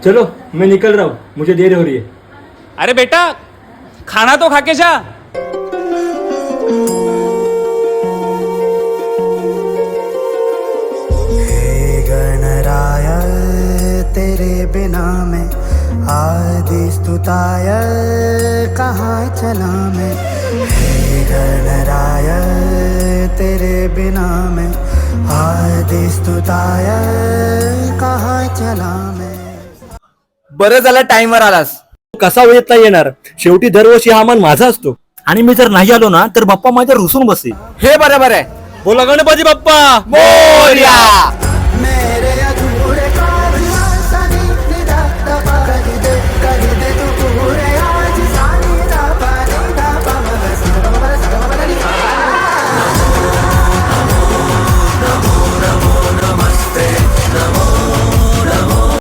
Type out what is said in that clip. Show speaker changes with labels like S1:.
S1: चलो मैं निकल रहा हूँ, मुझे देर हो रही है।
S2: अरे बेटा खाना तो खा के जा।
S3: हे गणराय तेरे बिना मैं आदि स्तुताय कहाँ चला मैं। हे गणराय तेरे बिना मैं आदि स्तुताय कहाँ चला मैं।
S4: बरं झालं टाइमवर आलास.
S1: कसा येता येणार, शेवटी दरवर्षी हा मान माझा असतो आणि मी जर नाही आलो ना तर बाप्पा माझ्या रुसून बसेल.
S4: हे बरोबर आहे.
S1: बोला गणपती बाप्पा
S4: मोरया.